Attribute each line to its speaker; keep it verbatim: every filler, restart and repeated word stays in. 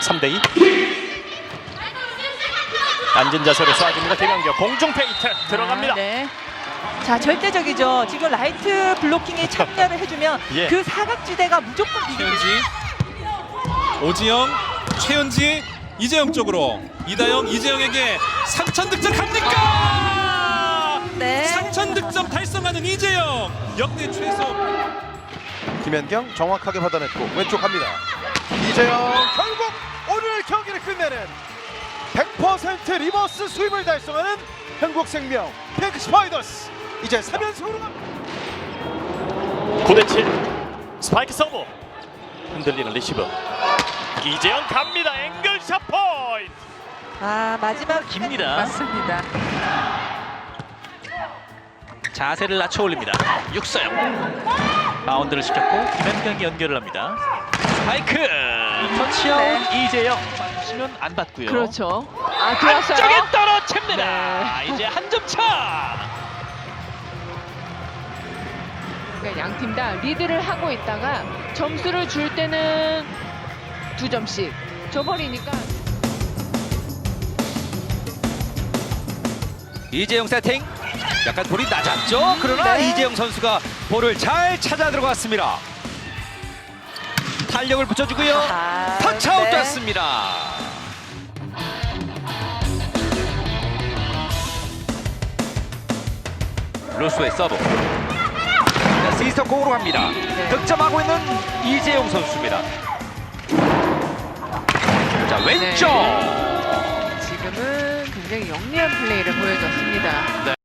Speaker 1: 삼 대 이. 앉은 자세로 쏴줍니다. 김연경 공중 페이트 들어갑니다.
Speaker 2: 아, 네. 자, 절대적이죠. 지금 라이트 블로킹에 참여를 해주면
Speaker 1: 예.
Speaker 2: 그 사각지대가 무조건 이기는.
Speaker 3: 최현지, 오지영, 최현지, 이재영 쪽으로 이다영, 이재영에게 삼천 득점 갑니까?
Speaker 2: 네.
Speaker 3: 삼천 득점 달성하는 이재영, 역대 최소.
Speaker 4: 김연경 정확하게 받아냈고 왼쪽 갑니다. 이재영 결국 오늘 경기를 끝내는 백 퍼센트 리버스 스윕을 달성하는 한국생명 핑크 스파이더스 이제 삼 연승으로 갑니다.
Speaker 1: 구 대 칠. 스파이크 서브. 흔들리는 리시브. 이재영 갑니다. 앵글샷 포인트.
Speaker 2: 아, 마지막
Speaker 1: 깁니다.
Speaker 2: 맞습니다.
Speaker 1: 자세를 낮춰 올립니다. 육서영. 바운드를 시켰고 김연경이 연결을 합니다. 스파이크. 터치아웃.
Speaker 2: 네.
Speaker 1: 이재영. 맞으시면 안 받고요.
Speaker 2: 그렇죠. 아, 들어왔어요.
Speaker 1: 안쪽에 떨어집니다.
Speaker 2: 네.
Speaker 1: 이제 한 점 차.
Speaker 5: 그러니까 양 팀 다 리드를 하고 있다가 점수를 줄 때는 두 점씩 줘버리니까.
Speaker 6: 이재영 세팅. 약간 볼이 낮았죠. 그러나
Speaker 2: 네.
Speaker 6: 이재영 선수가 볼을 잘 찾아 들어갔습니다. 탄력을 붙여주고요.
Speaker 2: 아,
Speaker 6: 터치아웃
Speaker 2: 네.
Speaker 6: 됐습니다. 루스의 서브. 자, 시스터 공으로 갑니다.
Speaker 2: 네.
Speaker 6: 득점하고 있는 이재용 선수입니다. 자, 왼쪽.
Speaker 5: 지금은 굉장히 영리한 플레이를 보여줬습니다.